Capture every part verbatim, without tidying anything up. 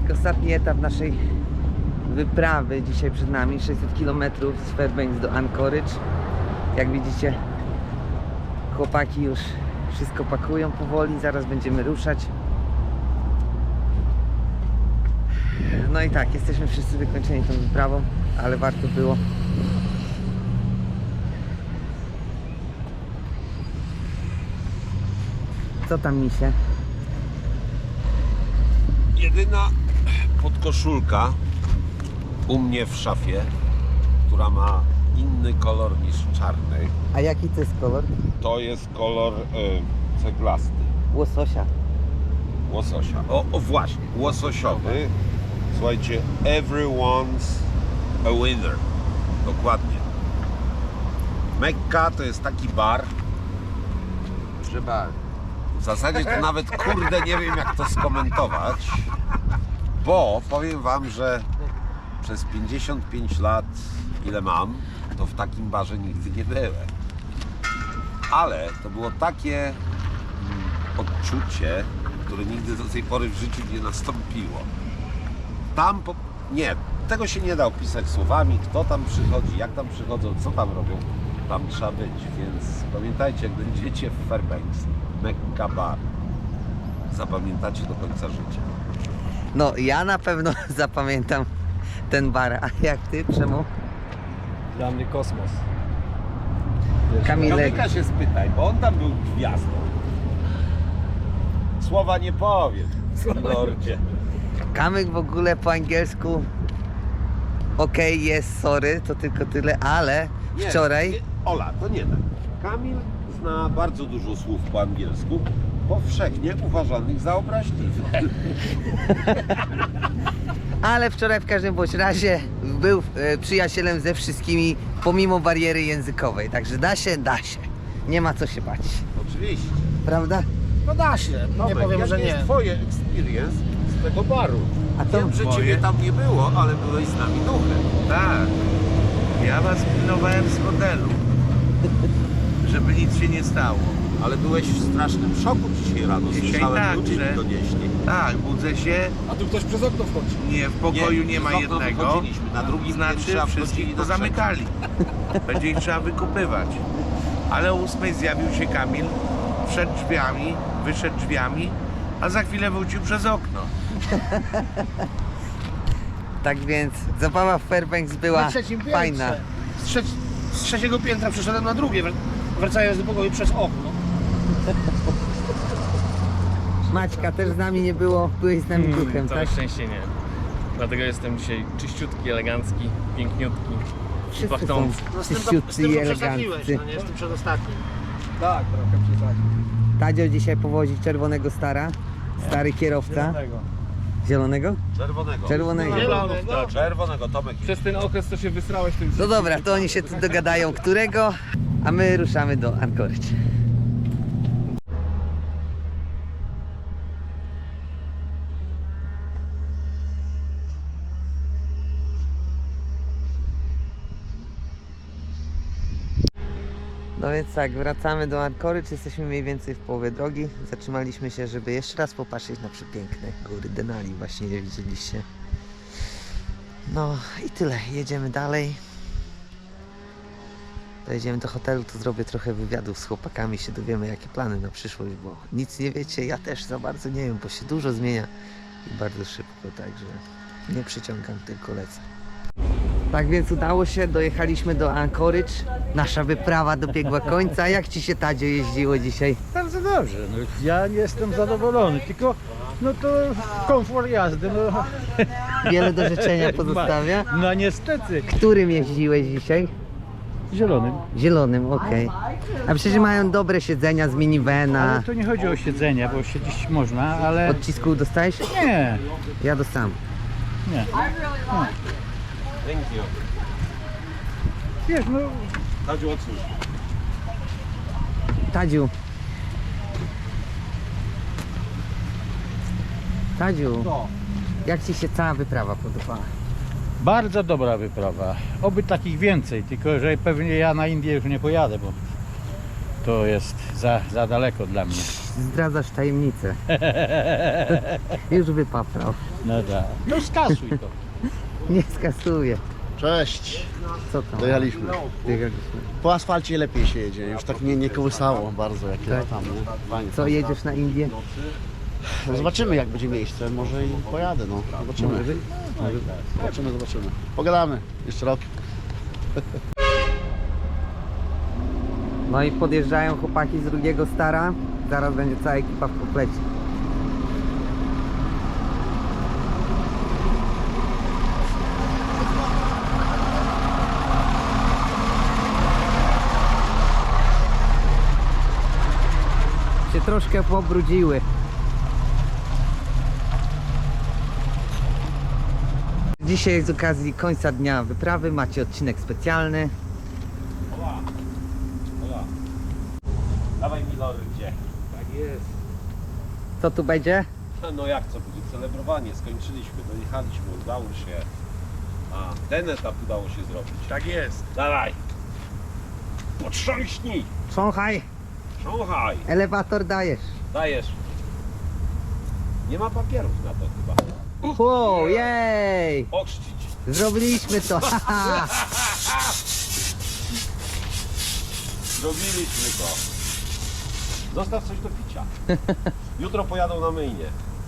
tak, ostatni etap naszej wyprawy dzisiaj przed nami, sześćset kilometrów z Fairbanks do Anchorage. Jak widzicie, chłopaki już wszystko pakują powoli, zaraz będziemy ruszać. No i tak, jesteśmy wszyscy wykończeni tą wyprawą, ale warto było. Co tam, misie? Jedyna podkoszulka u mnie w szafie, która ma inny kolor niż czarny, A jaki to jest kolor? to jest kolor y, ceglasty, Łososia. łososia. O, o właśnie, łososiowy. Słuchajcie, everyone's a winner. Dokładnie. Mekka to jest taki bar, Że bar. w zasadzie to nawet kurde nie wiem jak to skomentować, bo powiem wam, że przez pięćdziesiąt pięć lat, ile mam, to w takim barze nigdy nie byłem. Ale to było takie mm, odczucie, które nigdy do tej pory w życiu nie nastąpiło. Tam, po... nie, tego się nie da opisać słowami, kto tam przychodzi, jak tam przychodzą, co tam robią. Tam trzeba być, więc pamiętajcie, jak będziecie w Fairbanks, Mekka Bar, zapamiętacie do końca życia. No, ja na pewno zapamiętam ten bar, a jak ty, Przemo? Dla mnie kosmos. Kamilek. Kamyka się spytaj, bo on tam był gwiazdą. Słowa nie powiem, lordzie. Kamyk w ogóle po angielsku okej, jest, sorry, to tylko tyle, ale Nie, wczoraj... nie, Ola, to nie tak. Kamil zna bardzo dużo słów po angielsku, powszechnie uważanych za obraźliwe. Ale wczoraj w każdym bądź razie był e, przyjacielem ze wszystkimi, pomimo bariery językowej. Także da się, da się. Nie ma co się bać. Oczywiście. Prawda? No da się, nie Tomek, powiem, jak że jest nie. twoje experience z tego baru? A to Wiem, że moje? ciebie tam nie było, ale byłeś z nami duchem. Tak. Ja was pilnowałem z hotelu, żeby nic się nie stało. Ale byłeś w strasznym szoku dzisiaj rano. Dzisiaj Słyszałem, tak, ludzie że- mi donieśli. Tak, budzę się, A tu ktoś przez okno wchodzi. nie, w pokoju nie, ma z okna jednego, wychodziliśmy, na drugim znaczy piętrze, a wchodzili wszystkich na trzecim. pozamykali. Będzie ich trzeba wykupywać. Ale o ósmej zjawił się Kamil, wszedł drzwiami, wyszedł drzwiami, a za chwilę wrócił przez okno. tak więc zabawa w Fairbanks była Na trzecim piętrze. fajna. Z, trzec z trzeciego piętra przeszedłem na drugie, wr- wracając do pokoju przez okno. Maćka też z nami nie było, byłeś z nami Mm, duchem, Całe tak? szczęście nie. Dlatego jestem dzisiaj czyściutki, elegancki, piękniutki i Wszyscy są pachnący. No z tym, to, z czyściutcy tym i to przesadziłeś, eleganccy. no nie? Z tym przedostatnim. Tak, trochę przesadził. Tadzio dzisiaj powozi czerwonego stara, stary kierowca. Zielonego? Czerwonego. Czerwonego. Zielonego. Czerwonego, Tomek. Przez ten okres, co się wysrałeś, to już... No dobra, to oni się tu dogadają którego, a my ruszamy do Anchorage. No więc tak, wracamy do Anchorage, jesteśmy mniej więcej w połowie drogi. Zatrzymaliśmy się, żeby jeszcze raz popatrzeć na przepiękne góry Denali, właśnie je widzieliście. No i tyle, jedziemy dalej. Dojedziemy do hotelu, to zrobię trochę wywiadów z chłopakami, się dowiemy jakie plany na przyszłość, bo nic nie wiecie, ja też za bardzo nie wiem, bo się dużo zmienia i bardzo szybko, także nie przyciągam, tylko lecę. Tak więc udało się, dojechaliśmy do Anchorage, nasza wyprawa dobiegła końca. Jak Ci się, Tadzio, jeździło dzisiaj? Bardzo dobrze, no, ja nie jestem zadowolony, tylko no to komfort jazdy, no, Wiele do życzenia pozostawia. no niestety, Którym jeździłeś dzisiaj? zielonym. Zielonym, okej. A przecież mają dobre siedzenia z minivana. Ale to nie chodzi o siedzenie, bo siedzieć można, ale Odcisków dostałeś? nie, Ja dostałem. nie. Thank you. Wiesz, no Tadziu, odsłuch. Tadziu. Tadziu, No. jak Ci się cała wyprawa podobała? bardzo dobra wyprawa, oby takich więcej, tylko że pewnie ja na Indię już nie pojadę, bo to jest za, za daleko dla mnie. Zdradzasz tajemnicę. Już wypaprał. No tak. No skasuj to. Nie skasuję. Cześć, Co tam? dojechaliśmy. Dojechaliśmy. Po asfalcie lepiej się jedzie, już tak nie, nie kołysało bardzo jak ja tam. Nie? Fajnie. Co, jedziesz na Indię? No zobaczymy jak będzie miejsce, może i pojadę, no. Zobaczymy. Może być? Zobaczymy, zobaczymy. Pogadamy, jeszcze rok. No i podjeżdżają chłopaki z drugiego Stara. Zaraz będzie cała ekipa w komplecie. Się troszkę pobrudziły. Dzisiaj z okazji końca dnia wyprawy macie odcinek specjalny. Dawaj mi lory, gdzie? Tak jest. Co tu będzie? No jak co, będzie celebrowanie, skończyliśmy, dojechaliśmy, udało się. A, ten etap udało się zrobić. Tak jest. Dawaj! Potrząśnij! Szanghaj, Szanghaj! elewator dajesz. Dajesz. Nie ma papierów na to chyba. Wow, jej! Ochrzcić. Zrobiliśmy to! haha. Zrobiliśmy to. Zostaw coś do picia. Jutro pojadą na myjnie.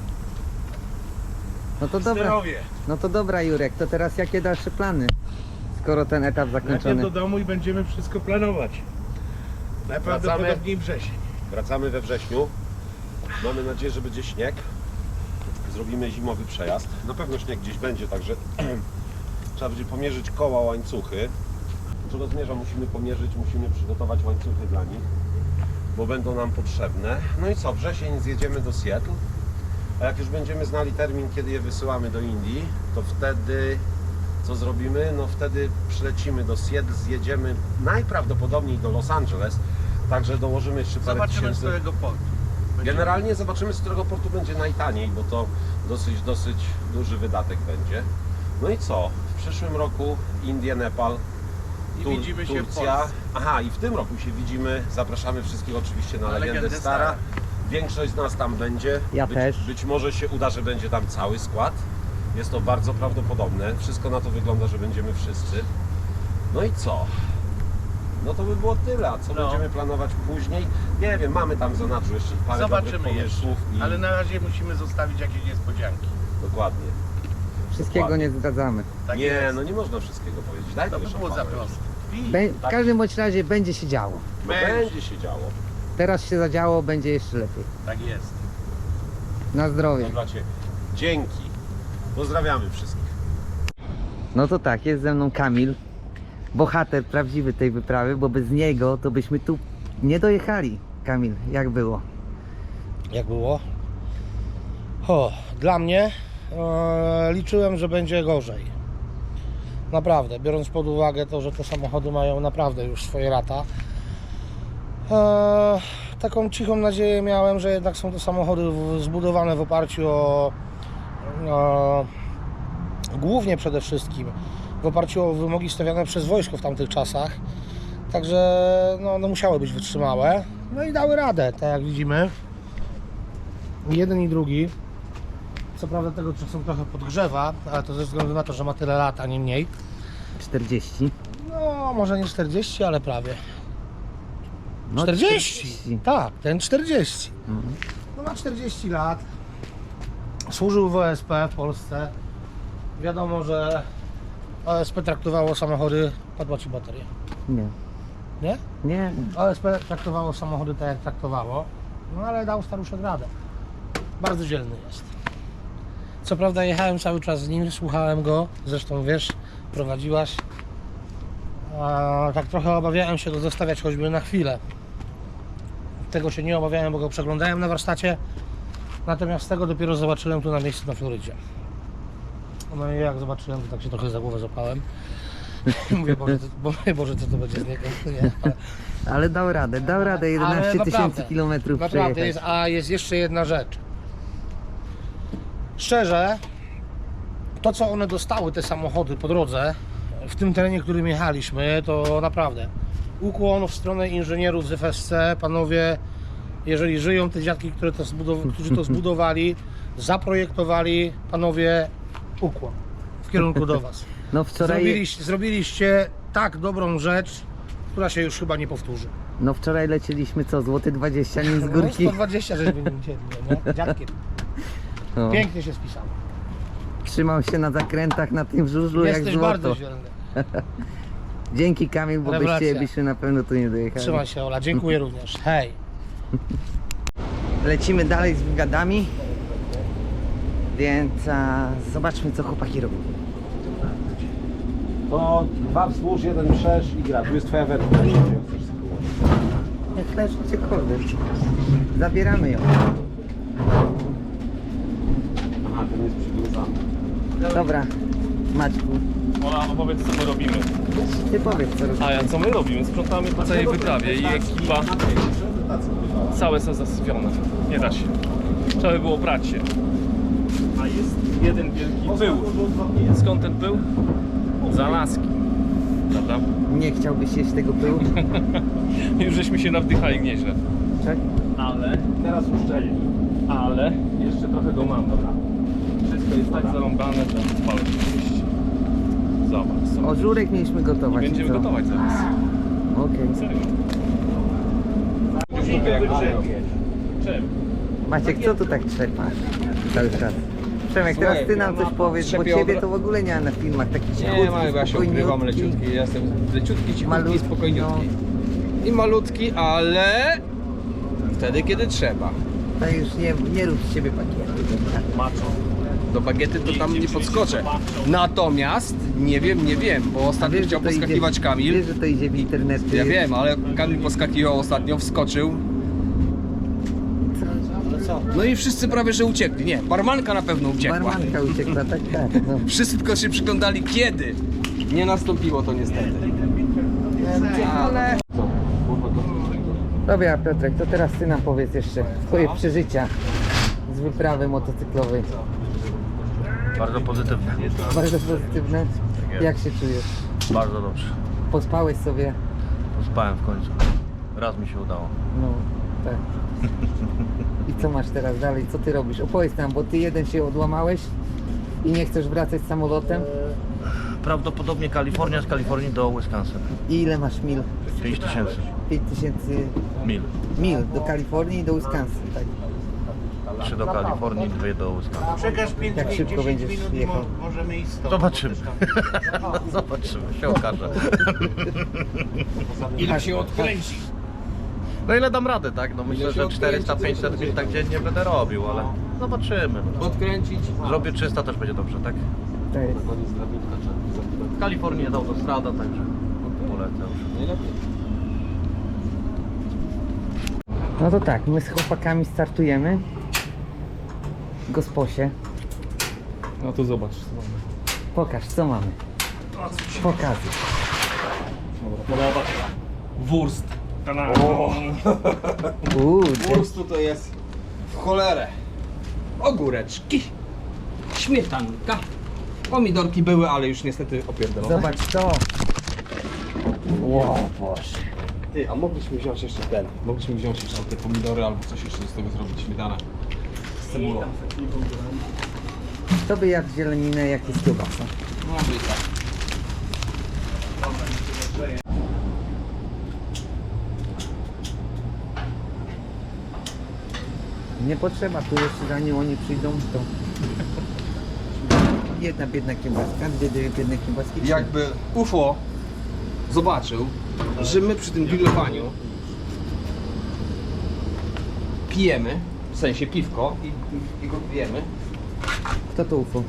No to dobra, Zdrowie. no to dobra Jurek, to teraz jakie dalsze plany? Skoro ten etap Najpierw zakończony. do domu i będziemy wszystko planować. Najprawdopodobniej wrzesień. Wracamy we wrześniu. Mamy nadzieję, że będzie śnieg. Zrobimy zimowy przejazd. Na pewno śnieg gdzieś będzie, także trzeba będzie pomierzyć koła, łańcuchy. Czego zmierzam, musimy pomierzyć, musimy przygotować łańcuchy dla nich, bo będą nam potrzebne. No i co, wrzesień zjedziemy do Seattle, a jak już będziemy znali termin, kiedy je wysyłamy do Indii, to wtedy co zrobimy? No wtedy przylecimy do Seattle, zjedziemy najprawdopodobniej do Los Angeles, także dołożymy jeszcze parę Zobaczymy z tysięcy. którego portu. Będzie- Generalnie zobaczymy, z którego portu będzie najtaniej, bo to dosyć, dosyć duży wydatek będzie. No i co? W przyszłym roku Indie, Nepal, I Tur- widzimy się w Turcja. Polsce. Aha, i w tym roku się widzimy. Zapraszamy wszystkich oczywiście na, Na Legendę Legendę Stara. Stara. Większość z nas tam będzie. Ja być, też. Być może się uda, że będzie tam cały skład. Jest to bardzo prawdopodobne. Wszystko na to wygląda, że będziemy wszyscy. No i co? No to by było tyle. A co No. będziemy planować później? Nie wiem, mamy tam w zanadrzu jeszcze parę dobrych Zobaczymy jeszcze. pomysłów. I... Ale na razie musimy zostawić jakieś niespodzianki. Dokładnie. Wszystkiego Dokładnie. nie zdradzamy. Tak nie, jest. no nie można wszystkiego powiedzieć. Daj To to by było za proste. Pi. Bę- w każdym bądź razie będzie się działo. No Będzie. będzie się działo. Teraz się zadziało, będzie jeszcze lepiej. Tak jest. Na zdrowie. To dla Ciebie. Dzięki. Pozdrawiamy wszystkich. No to tak, jest ze mną Kamil, bohater prawdziwy tej wyprawy, bo bez niego to byśmy tu nie dojechali. Kamil, jak było? Jak było? O, dla mnie e, liczyłem, że będzie gorzej. Naprawdę, biorąc pod uwagę to, że te samochody mają naprawdę już swoje lata. E, taką cichą nadzieję miałem, że jednak są to samochody w, zbudowane w oparciu o, o głównie przede wszystkim w oparciu o wymogi stawiane przez wojsko w tamtych czasach. Także no, no musiały być wytrzymałe. No i dały radę, tak jak widzimy. Jeden i drugi. Co prawda tego czasem trochę podgrzewa, ale to ze względu na to, że ma tyle lat, a nie mniej. czterdzieści? No, może nie czterdzieści, ale prawie. No, czterdzieści! Tak, ten czterdzieści. Mhm. No ma czterdzieści lat. Służył w O S P w Polsce. Wiadomo, że O S P traktowało samochody... Padła ci bateria. Nie. Nie? Nie. O S P traktowało samochody tak jak traktowało. No ale dał staruszek radę. Bardzo dzielny jest. Co prawda jechałem cały czas z nim, słuchałem go. Zresztą wiesz, prowadziłaś. A tak trochę obawiałem się go zostawiać choćby na chwilę. Tego się nie obawiałem, bo go przeglądałem na warsztacie. Natomiast tego dopiero zobaczyłem tu na miejscu na Florydzie. No i jak zobaczyłem, to tak się trochę za głowę złapałem. Mówię, Boże, co, bo, Boże, co to będzie z niego. Nie, ale, Ale dał radę, dał radę Ale jedenaście tysięcy naprawdę, kilometrów Naprawdę przejechać. jest, a jest jeszcze jedna rzecz. Szczerze, to co one dostały, te samochody po drodze, w tym terenie, którym jechaliśmy, to naprawdę ukłon w stronę inżynierów z F S C, panowie, jeżeli żyją te dziadki, które to zbudow- którzy to zbudowali, zaprojektowali, panowie, ukłon w kierunku do Was. No wczoraj, Zrobiliście, zrobiliście tak dobrą rzecz, która się już chyba nie powtórzy. no wczoraj lecieliśmy co, złoty dwadzieścia nim z górki. No, sto dwadzieścia żeśmy nim cieli, nie? Dziadkiem. No, Pięknie się spisało. trzymał się na zakrętach na tym żużlu jak Jesteś złoto. bardzo dzielny. Dzięki Kamil, bo bez Rewelacja. ciebie byśmy na pewno tu nie dojechali. Trzymaj się, Ola, dziękuję również. Hej. Lecimy dalej z wywiadami, więc a, zobaczmy co chłopaki robią. To dwa wzdłuż, jeden wszerz i gra. Tu jest twoja wędka. Jak leży gdziekolwiek. Zabieramy ją. Aha, ten jest przywiązany. Dobra, Maćku, Ola, opowiedz co my robimy. ty powiedz co robisz. A ja co my robimy? Sprzątamy po całej wyprawie i ekipa całe są zasypione. Nie da się. Trzeba by było prać się. A jest jeden wielki pył. Skąd ten pył? Z Alaski. Prawda? Nie chciałbyś jeść tego pyłu? Już żeśmy się nawdychali nieźle. Tak? Ale teraz uszczelni. Ale jeszcze trochę go mam, dobra. Wszystko jest tak zarąbane, że palę się. Zobacz sobie. Ożurek mieliśmy I gotować. będziemy co? gotować zaraz. Okej. Serio. Czym? Maciek, co tu tak trzepasz cały czas? Przemek, teraz ty nam coś powiesz, bo ciebie to w ogóle nie ma na filmach. Taki Nie cichutki, ma, ja się ukrywam spokojniutki. leciutki, ja jestem leciutki, cichutki, Malutki, spokojniutki. I malutki, ale wtedy kiedy trzeba. To już nie, nie rób z siebie pakietu. Macho. Do bagiety to tam nie podskoczę. Natomiast nie wiem, nie wiem, bo A ostatnio wiesz, chciał że to poskakiwać idzie, Kamil. Wiesz, że to idzie w internecie. Ja wiem, ale Kamil poskakiwał ostatnio, wskoczył. No i wszyscy prawie że uciekli. Nie, barmanka na pewno uciekła. Barmanka uciekła, tak, tak. No. Wszyscy tylko się przyglądali kiedy. Nie nastąpiło to niestety. Ale... Dobra Piotrek, to teraz ty nam powiedz jeszcze twoje przeżycia z wyprawy motocyklowej. Bardzo pozytywne. Bardzo pozytywne. Jak się czujesz? Bardzo dobrze. Pospałeś sobie? Spałem w końcu. Raz mi się udało. No, tak. I co masz teraz dalej? Co ty robisz? Opowiedz nam, bo ty jeden się odłamałeś i nie chcesz wracać samolotem. Prawdopodobnie Kalifornia, z Kalifornii do Wisconsin. I ile masz mil? pięć tysięcy pięć tysięcy mil. mil do Kalifornii i do Wisconsin, tak? trzy do Kalifornii, dwie do Wisconsin. Przekaż pięć Jak szybko będziesz jechał? możemy iść stąd. Zobaczymy. Zobaczymy, się okaże. Ile się odkręci? No ile dam radę, tak? No myślę, że czterysta pięćset mil tak dziennie będę robił, ale zobaczymy. No. Odkręcić. Zrobię trzysta, też będzie dobrze, tak? To jest. W Kalifornii jest autostrada, także polecę już. No to tak, my z chłopakami startujemy w Gosposie. No to zobacz co mamy. Pokaż, co mamy. Pokazuj. Podoba. Wurst. Uuu, Po prostu to jest w cholerę. Ogóreczki, śmietanka, pomidorki były, ale już niestety opierdolone. zobacz to. Wow, Boże. Ty, a mogliśmy wziąć jeszcze ten, mogliśmy wziąć jeszcze te pomidory albo coś jeszcze z tego zrobić, śmietanę z cebulą. To by jadł zieleninę, jak jest kiełbasa. Może i tak. Nie potrzeba, tu jeszcze zanim oni przyjdą, to jedna biedna kiełbaska, dwie dwie biedne kiełbaski. trzy. Jakby U F O zobaczył, że my przy tym grillowaniu pijemy, w sensie piwko i, i go pijemy, Kto to U F O?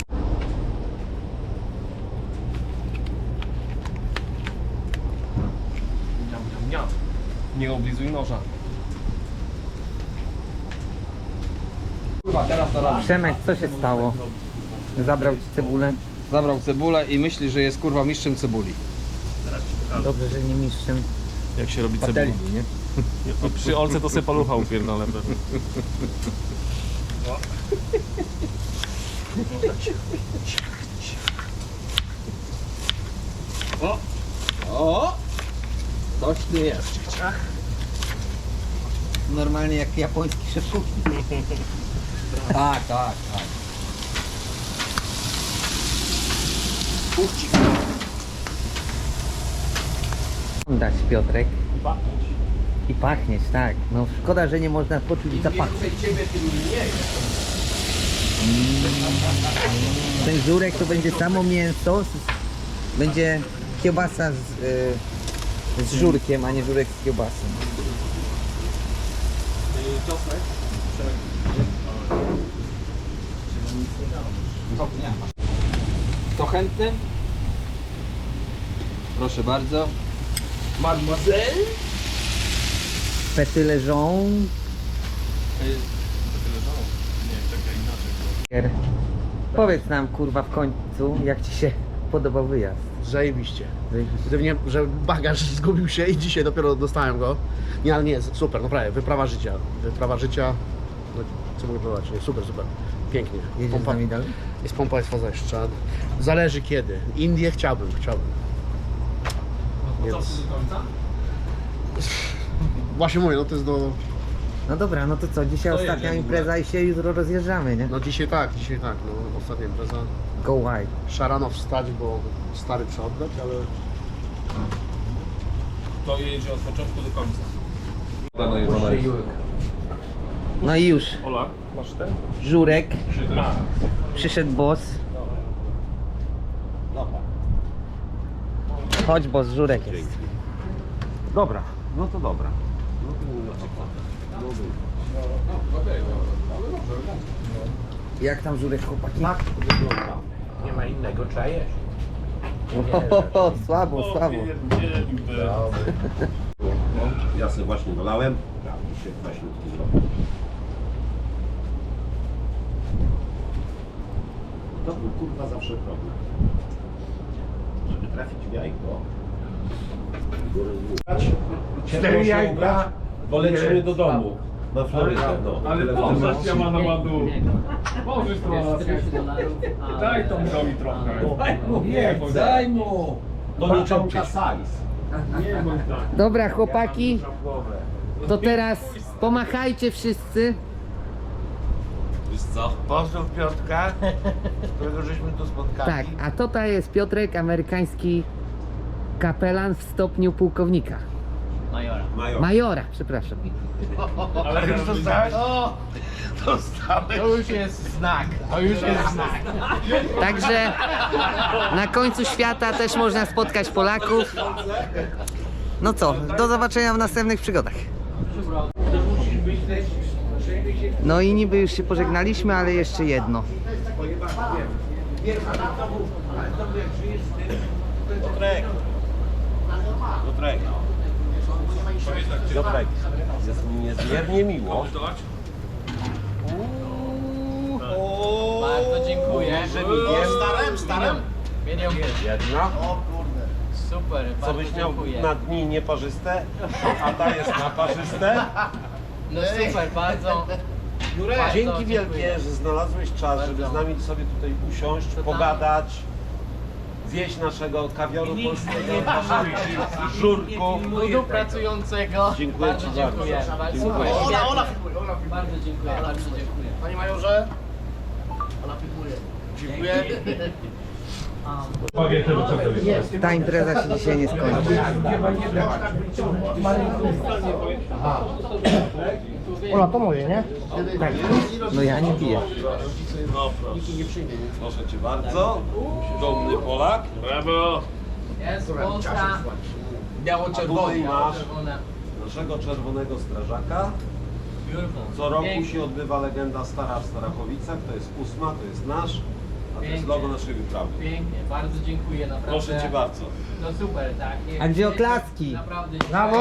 Miam, miam, miam. Nie oblizuj noża. kurwa teraz to robi. Przemek, co się stało? Zabrał ci cebulę? Zabrał cebulę i myśli, że jest kurwa mistrzem cebuli. Dobrze, że nie mistrzem. Jak się robi cebulę? Patelni, nie? No, przy olce to sobie palucha upierdolę pewnie. O! Coś tu jest. Normalnie jak japoński szef kuchni. Tak, tak, tak. Dać Piotrek. I pachnieć, tak. No szkoda, że nie można poczuć zapachu. Ten żurek to będzie samo mięso, z- będzie kiełbasa z, y, z żurkiem, a nie żurek z kiełbasą. Kto chętny? Proszę bardzo. Pety leżą. Powiedz nam kurwa w końcu, jak ci się podobał wyjazd. Zajebiście. Zajebiście. Gdyby nie, że bagaż zgubił się i dzisiaj dopiero dostałem go. Nie, ale nie, super, naprawdę, wyprawa życia. Wyprawa życia, no, co mogę powiedzieć, nie, super, super. Pięknie. Jedziesz z nami dalej? Jest pompa, jest faza jeszcze. Zależy kiedy. Indie chciałbym, chciałbym. Więc... Właśnie mówię, no to jest do... No dobra, no to co, dzisiaj ostatnia impreza i się jutro rozjeżdżamy, nie? No dzisiaj tak, dzisiaj tak, no ostatnia impreza. Go wide. Szarano wstać, bo stary trzeba oddać, ale... To jedzie od początku do końca. No i już, Ola, masz ten? żurek, A, przyszedł boss. Chodź boss, żurek jest. Dobra, no to dobra. Jak tam żurek chłopaki? Nie ma innego, trzeba jeść. Ohoho, słabo, słabo. Ja sobie właśnie dolałem. I się kwaśniutki zrobił. To był kurwa zawsze problem. Żeby trafić w jajko. Cztery jajka, bo lecimy do domu. Na Florydę. No. ale pożarz ja ma na ładu. Możesz trochę. Daj to mi trochę. Nie, Daj mu! To nie czonka size. nie bądź tak. Dobra chłopaki, to teraz pomachajcie wszyscy. Wiesz co? Pozdrów Piotrka, którego żeśmy tu spotkali. Tak, a tutaj jest Piotrek, amerykański kapelan w stopniu pułkownika. Major. Majora, przepraszam. Ale już dostałeś? O, dostałeś. To już jest znak. To już jest znak. Także na końcu świata też można spotkać Polaków. No co, do zobaczenia w następnych przygodach. No i niby już się pożegnaliśmy, ale jeszcze jedno. Piotrek. Piotrek. Piotrek. Jest mi niezmiernie miło. Bardzo dziękuję. Że mi jest Starem, starem. jedna. Super, Co byś miał na dni nieparzyste, a ta jest na parzyste. No super, bardzo. bardzo Dzięki dziękuję. wielkie, że znalazłeś czas, żeby z nami sobie tutaj usiąść, pogadać, zjeść naszego kawioru polskiego, naszych żurków. Ludu pracującego. Dziękuję bardzo ci dziękuję. bardzo. Bardzo, Dziękuję. super. Świetnie. Bardzo dziękuję, bardzo dziękuję. Panie majorze, ona pikuje. Dziękuję. Ta impreza się dzisiaj nie skończy. Ola, to moje, nie? Tak. No ja nie piję. Proszę cię bardzo. Dumny Polak. Brawo. Jest Polska. A Biało-czerwony. tutaj masz Czerwone. naszego czerwonego strażaka. Beautiful. Co roku Pięknie. się odbywa legenda Stara w Starachowicach. To jest ósma, to jest nasz, a to jest Pięknie. logo naszej wyprawy. Pięknie, bardzo dziękuję, naprawdę. Proszę cię bardzo. No super, tak. Nie, A gdzie nie- oklaski? Naprawdę. Brawo!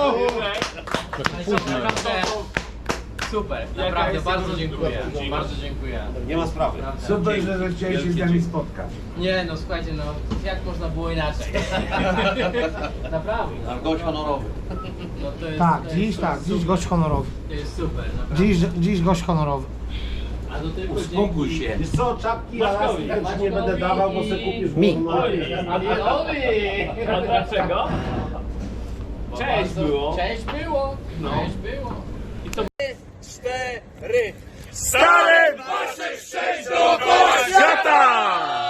Naprawdę. Super, naprawdę bardzo dziękuję. Bardzo dziękuję. Nie ma sprawy. Super, że chciałeś się z nami spotkać. Nie no słuchajcie, no jak można było inaczej? Naprawdę. Gość honorowy. No to jest, Tak, to jest, dziś to tak, jest dziś super. gość honorowy. To jest super, naprawdę. Dziś, dziś gość honorowy. A do tylko Uspokój dzięki- się. Wiesz co, czapki ja raz też nie będę dawał, bo se kupisz Mi. gówno. Amirowi! A dlaczego? Cześć Bardzo- było. Cześć było! Cześć było! I co? Cztery! Stare wasze szczęść do